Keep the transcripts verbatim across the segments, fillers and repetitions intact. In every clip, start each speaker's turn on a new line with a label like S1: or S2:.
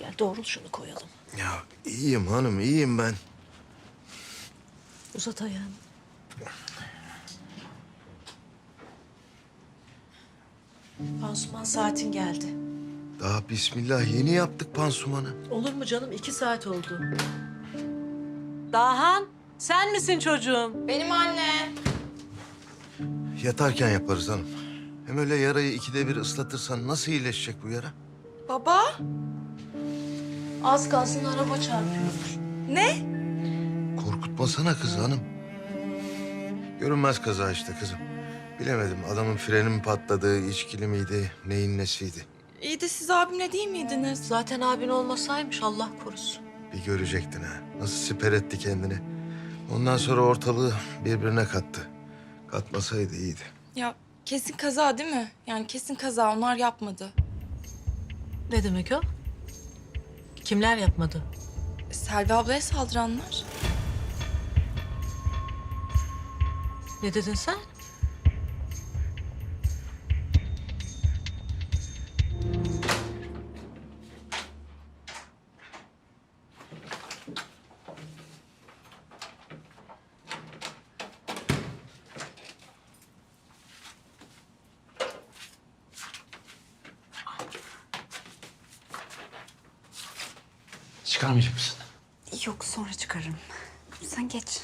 S1: Gel doğrul şunu koyalım.
S2: Ya iyiyim hanım, iyiyim ben.
S1: Uzat ayağını. Pansuman saatin geldi.
S2: Daha bismillah yeni yaptık pansumanı.
S1: Olur mu canım? İki saat oldu. Dahan, sen misin çocuğum?
S3: Benim anne.
S2: Yatarken yaparız hanım. Hem öyle yarayı ikide bir ıslatırsan nasıl iyileşecek bu yara?
S3: Baba.
S1: Az kalsın araba çarpıyor.
S3: Ne?
S2: Korkutmasana kız hanım. Görünmez kaza işte kızım. Bilemedim adamın freni mi patladı, içkili miydi, neyin nesiydi?
S3: İyi de siz abimle değil miydiniz?
S1: Zaten abin olmasaymış Allah korusun.
S2: Bir görecektin ha. Nasıl siper etti kendini. Ondan sonra ortalığı birbirine kattı. Katmasaydı iyiydi.
S3: Ya kesin kaza değil mi? Yani kesin kaza, onlar yapmadı.
S1: Ne demek o? Kimler yapmadı?
S3: Selvi ablaya saldıranlar.
S1: Ne dedin sen?
S4: Çıkarmayacak mısın?
S5: Yok, sonra çıkarırım. Sen geç.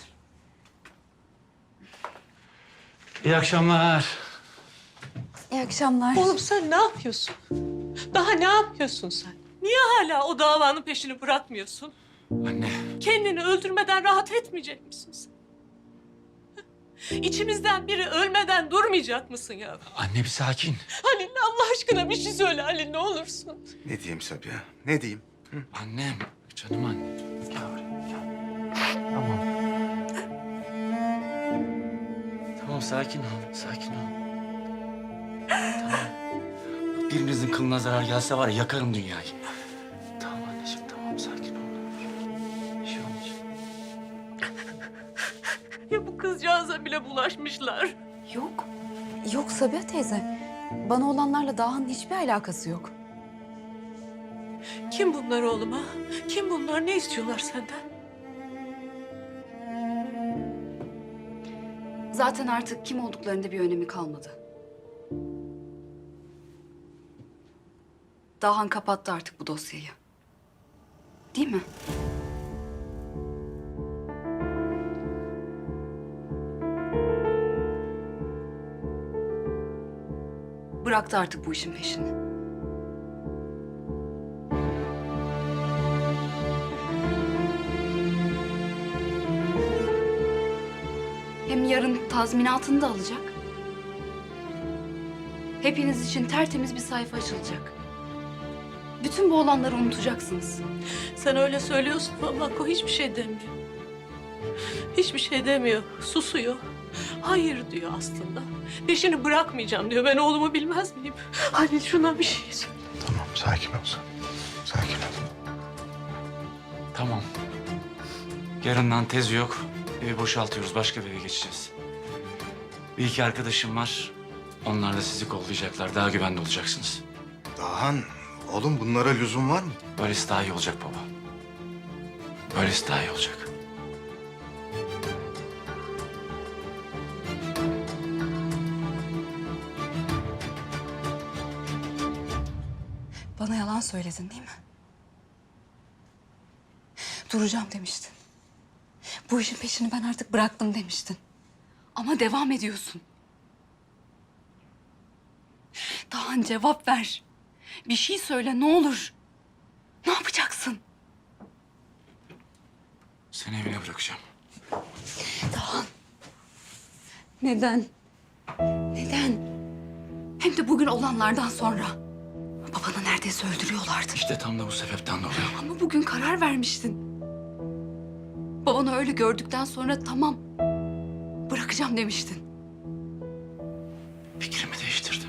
S4: İyi akşamlar.
S5: İyi akşamlar.
S1: Oğlum sen ne yapıyorsun? Daha ne yapıyorsun sen? Niye hala o davanın peşini bırakmıyorsun?
S4: Anne.
S1: Kendini öldürmeden rahat etmeyecek misin sen? İçimizden biri ölmeden durmayacak mısın ya?
S4: Anne bir sakin.
S1: Halil Allah aşkına bir şey söyle Halil ne olursun.
S2: Ne diyeyim Sabiha? Ne diyeyim?
S4: Annem. Canım anne. Gel buraya gel. Tamam. Tamam sakin ol. Sakin ol. Tamam. Birinizin kılına zarar gelse var ya yakarım dünyayı. Tamam anneciğim tamam sakin ol. Bir şey olmayacak.
S1: Ya bu kızcağıza bile bulaşmışlar.
S5: Yok. Yok Sabiha teyze. Bana olanlarla Daha'nın hiçbir alakası yok.
S1: Kim bunlar oğlum ha? Kim bunlar? Ne istiyorlar senden?
S5: Zaten artık kim olduklarında bir önemi kalmadı. Dahan kapattı artık bu dosyayı. Değil mi? Bıraktı artık bu işin peşini. Hem yarın tazminatını da alacak. Hepiniz için tertemiz bir sayfa açılacak. Bütün bu olanları unutacaksınız.
S1: Sen öyle söylüyorsun ama o hiçbir şey demiyor. Hiçbir şey demiyor. Susuyor. Hayır diyor aslında. Peşini bırakmayacağım diyor. Ben oğlumu bilmez miyim? Halil şuna bir şey söyle.
S2: Tamam sakin ol sen. Sakin ol.
S4: Tamam. Yarından tezi yok. Evi boşaltıyoruz. Başka bir eve geçeceğiz. Bir iki arkadaşım var. Onlar da sizi kollayacaklar. Daha güvende olacaksınız.
S2: Dahan, oğlum bunlara lüzum var mı?
S4: Böylesi daha iyi olacak baba. Böylesi daha iyi olacak.
S5: Bana yalan söyledin değil mi? Duracağım demiştin. Bu işin peşini ben artık bıraktım demiştin. Ama devam ediyorsun. Dahan cevap ver. Bir şey söyle ne olur. Ne yapacaksın?
S4: Seni evine bırakacağım.
S5: Dahan. Neden? Neden? Hem de bugün olanlardan sonra. Babanı neredeyse öldürüyorlardı.
S4: İşte tam da bu sebepten dolayı.
S5: Ama bugün karar vermiştin. Babanı öyle gördükten sonra tamam, bırakacağım demiştin.
S4: Fikrimi değiştirdim.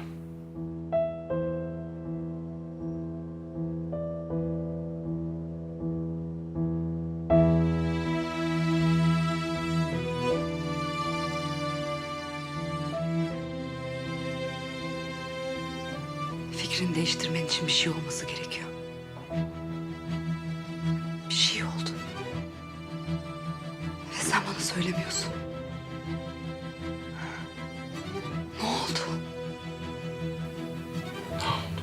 S5: Fikrini değiştirmen için bir şey olması gerekiyor. söylemiyorsun? Ne oldu?
S4: Ne oldu?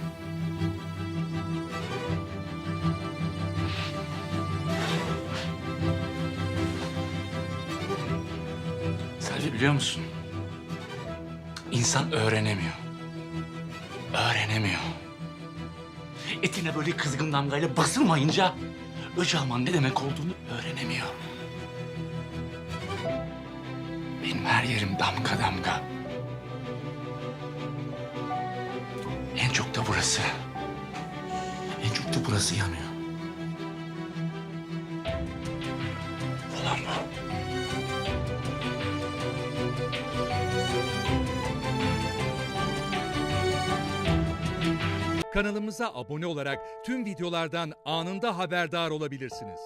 S4: Selvi biliyor musun? İnsan öğrenemiyor. Öğrenemiyor. Etine böyle kızgın damgayla basılmayınca Öcalan ne demek olduğunu öğrenemiyor. Benim her yerim damga damga. En çok da burası. En çok da burası yanıyor. Olan bu.
S6: Kanalımıza abone olarak tüm videolardan anında haberdar olabilirsiniz.